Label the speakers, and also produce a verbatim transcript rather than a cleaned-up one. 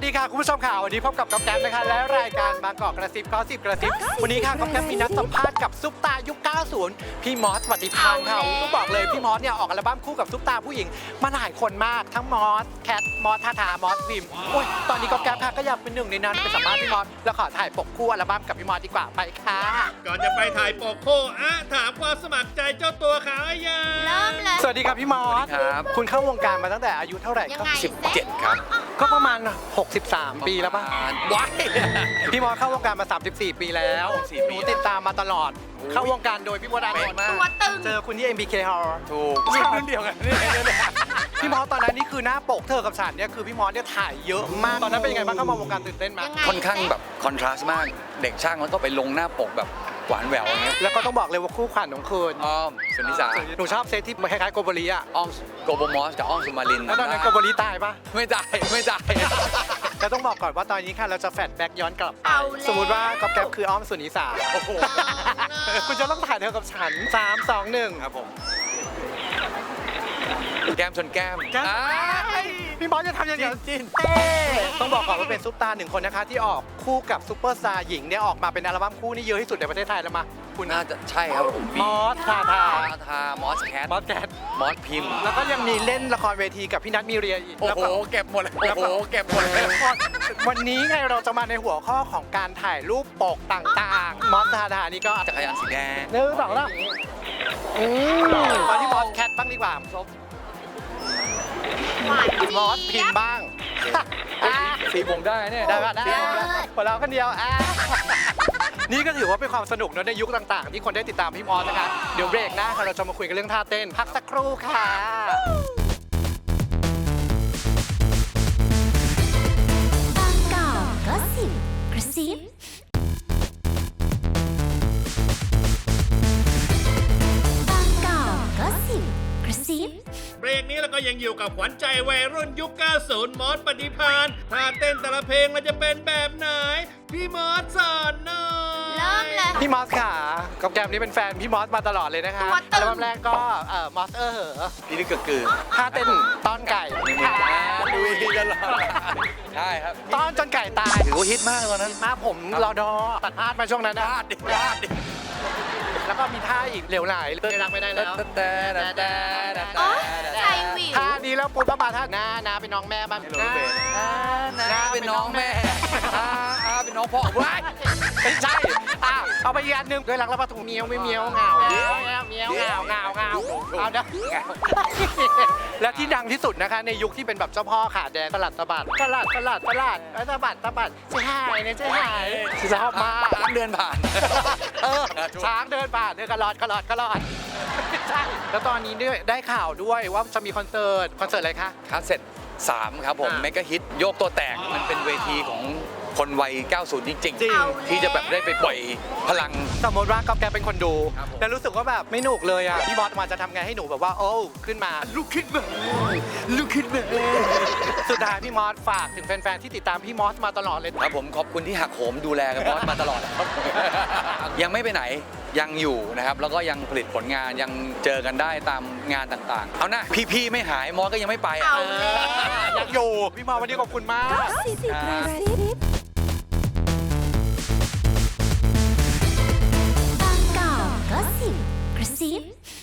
Speaker 1: ดีค่ะคุณผู้ชมค่ะวันนี้พบกับก๊อฟแก๊ปนะคะและรายการบางกอกกระซิบก็สิบกระซิบวันนี้ค่ะก๊อฟแก๊ปมีนัดสัมภาษณ์กับซุปตายุค เก้าสิบ พี่มอสปฏิภาณค่ะต้องบอกเลยพี่มอสเนี่ยออกอัลบั้มคู่กับซุปตาผู้หญิงมาหลายคนมากทั้งมอสแคทมอสทาทามอสพิมโอ้ยตอนนี้ก๊อฟแก๊ปค่ะก็อยากเป็นหนึ่งในนั้นไปสัมภาษณ์พี่มอสแล้วขอถ่ายปกคู่อัลบั้มกับพี่มอสดีกว่าไปค่ะ
Speaker 2: ก่อนจะไปถ่ายปกโคอะถามความสมัครใจเจ้าตัวเขายัง
Speaker 3: เริ่มเลย
Speaker 1: สวัสดีครับพี่มอส
Speaker 4: ครับ
Speaker 1: คุณเข้าวงการมาตั้งแต่อายุเท่าไหร่
Speaker 3: ยัง
Speaker 1: ครับ
Speaker 3: ไง
Speaker 4: สิบเจ็ดครับ
Speaker 1: ก็ประมาณหกสิบสามปีแล้วป่ะ
Speaker 4: ว้าย
Speaker 1: พี่มอสเข้าวงการมาสามสิบสี่ปีแล้ว
Speaker 4: สี่
Speaker 1: ห
Speaker 4: ปี
Speaker 1: นูติดตามมาตลอด เข้าวงการโดยพี่มอสอานนท์
Speaker 3: ตัวตึง
Speaker 1: เจอคุณที่ เอ็ม บี เค Hall
Speaker 4: ถูก
Speaker 1: รุ่นเดียวกันนี่พี่มอสตอนนั้นนี่คือหน้าปกเธอกับฉันเนี่ยคือพี่มอสเนี่ยถ่ายเยอะมากตอนนั้นเป็นยังไงบ้างเข้ามาวงการตื่นเต้นไหม
Speaker 3: ยังไง
Speaker 4: ค่อนข้างแบบคอนทราสต์มาก เด็กช่างแล้วก็ไปลงหน้าปกแบบหวานแหววอย่างเงี้ย
Speaker 1: แล้วก็ต้องบอกเลยว่าคู่ขวัญของคืน
Speaker 4: อ้อมสุนิสา
Speaker 1: หนูชอบเซตที่มันคล้ายๆโกโบลีอะ
Speaker 4: อ้อมโกโบมอสกับอ้อมสุมาริน
Speaker 1: แล้วตอนนั้นโกโบลีตายปะ
Speaker 4: ไม่ได้ไม่ได้
Speaker 1: แต่ต้องบอกก่อนว่าตอนนี้ค่ะเราจะแฟลชแบ็กย้อนกลับไป
Speaker 3: เอาแล้ว
Speaker 1: สมมุติว่าก๊อฟแก๊ปคืออ้อมสุนิสา
Speaker 4: โอ้โห
Speaker 1: คุณจะต้องถ่ายเธอกับฉันสาม สอง หนึ่ง
Speaker 4: ครับผม แก้มชนแก้ม
Speaker 1: แก้ม
Speaker 4: อ่า
Speaker 1: พี่มอสจะทำยังไงจินเต้ต้องบอกก่อนว่าเป็นซุปตาร์หนึ่งคนนะคะที่ออกคู่กับซุปเปอร์สตาร์หญิงเนี่ยออกมาเป็นอัลบั้มคู่นี่เยอะที่สุดในประเทศไทยแล้วมาคุณ
Speaker 4: น่าจะใช่ครับผม
Speaker 1: มอสทาทา
Speaker 4: ทามอสแคท
Speaker 1: มอสแกน
Speaker 4: มอสพิมพ์
Speaker 1: แล้วก็ยังมีเล่นละครเวทีกับพี่นัทมีเรียอีก
Speaker 4: โอ้
Speaker 1: แล้ว
Speaker 4: โห
Speaker 1: ก็
Speaker 4: เก็บหมดเลย
Speaker 1: แล้ว
Speaker 4: โอ้
Speaker 1: ก็
Speaker 4: โหเก็บหมดเลย
Speaker 1: วันนี้ไงเราจะมาในหัวข้อของการถ่ายรูปปกต่างๆ มอสทาทานี่ก็
Speaker 4: จักรยานสีแดง
Speaker 1: หนึ่งสองแล้วมาที่มอสแคทบ้างดีกว่า
Speaker 3: หวานเจี๊ยบ
Speaker 1: มอสพิมพ์บ้างอ่ะ
Speaker 4: สีผมได้เนี่ย
Speaker 1: ได้ป่ะได้คนเราคนเดียวอ่ะนี่ก็ถือว่าเป็นความสนุกเนอะในยุคต่างๆ ที่คนได้ติดตามพี่มอสนะคะเดี๋ยวเบรกหน้าค่ะเราจะมาคุยกันเรื่องท่าเต้นพักสักครู่ค่ะ
Speaker 5: บางกอกก็สิบกระซิบางกอกก็สิบกระซิบ
Speaker 2: เบรกนี้เราก็ยังอยู่กับขวัญใจวัยรุ่นยุค เก้าสิบ มอสปฏิภาณถ้าเต้นแต่ละเพลงเราจะเป็นแบบไหน พี่มอสสอนหน่อย
Speaker 3: เริ่มเลย
Speaker 1: พี่มอสค่ะกับแกมนี่เป็นแฟนพี่มอสมาตลอดเลยนะคะ
Speaker 3: ตัวตึง
Speaker 1: อัลบั้มแรกก็เอ่อมอสเออเหอะ
Speaker 4: พี่นี่ก็คือ
Speaker 1: ท่าเต้นต้อนไก่
Speaker 4: ดูดีตลอดใช่ครับ
Speaker 1: ต้อนจนไก่ตาย
Speaker 4: ถือว่าฮิตมากตอนนั้น
Speaker 1: มาผมรอดอตัดพาดมาช่วงนั้นนะ
Speaker 4: พลาดดิพลาดดิ
Speaker 1: แล้วก็มีท่าอีกเหลวไหลเลิกรักไม่ได้แล้ว
Speaker 4: แต่แต่แต่แต่
Speaker 3: โอ๊ยใจวิว
Speaker 1: ท่านี้แล้วปุ๊บก็มาท่าน้าน้าเป็นน้องแม่บ้าง
Speaker 4: น้าน้าเป็นน้องแม่อาอาเป็นน้องพ่อว้าย
Speaker 1: ไม่ใช่อ่ะเอาไปอีกอันหนึ่งด้วยรักแล้วปะถูเมียวไม่เมียวเหงาเมียวเมียวเหงาเหงาเหงาเอาเด้อและที่ดังที่สุดนะคะในยุคที่เป็นแบบเจ้าพ่อขาแดงตลาดตะบัดตลาดตลาดตลาดตะบัดตะบัดเจ๊หายเนี่ยเจ๊หายชอบมาก
Speaker 4: ช้างเดินผ่าน
Speaker 1: เออช้างเดินผ่านเดินกระลอดกระลอดกระลอดใช่แล้วตอนนี้ด้วยได้ข่าวด้วยว่าจะมีคอนเสิร์ตคอนเสิร์ตอะไรคะ
Speaker 4: คัสเซ็ตสามครับผม
Speaker 1: อ่า
Speaker 4: เมกะฮิตโยกตัวแตกมันเป็นเวทีของคนวัย เก้าสิบ จริง
Speaker 1: จริง
Speaker 4: ๆ ที่จะแบบได้ไปปล่อยพลัง
Speaker 1: สมมติว่าก๊อฟแกเป็นคนดู
Speaker 4: ครับผม
Speaker 1: แล้วรู้สึกว่าแบบไม่หนุกเลยอ่ะพี่บอสมาจะทำไงให้หนูแบบว่าโอ้ขึ้นมา
Speaker 4: ลุกขึ้นมาลุกขึ้นมา
Speaker 1: สุดท้ายพี่มอสฝากถึงแฟนๆที่ติดตามพี่มอสมาตลอดเลย
Speaker 4: ครับผมขอบคุณที่หักโหมดูแลกันมอสมาตลอดครับ ยังไม่ไปไหนยังอยู่นะครับ แล้วก็ยังผลิตผลงานยังเจอกันได้ตามงานต่างๆ เอานะพี่ๆไม่หายมอสก็ยังไม่ไปอ่ะ
Speaker 3: เอาแล้ว
Speaker 1: อยากอยู่พี่มอสวันนี้ขอบคุณมาก
Speaker 5: สิบกระซิบบางกอกก็สิบกระซิบ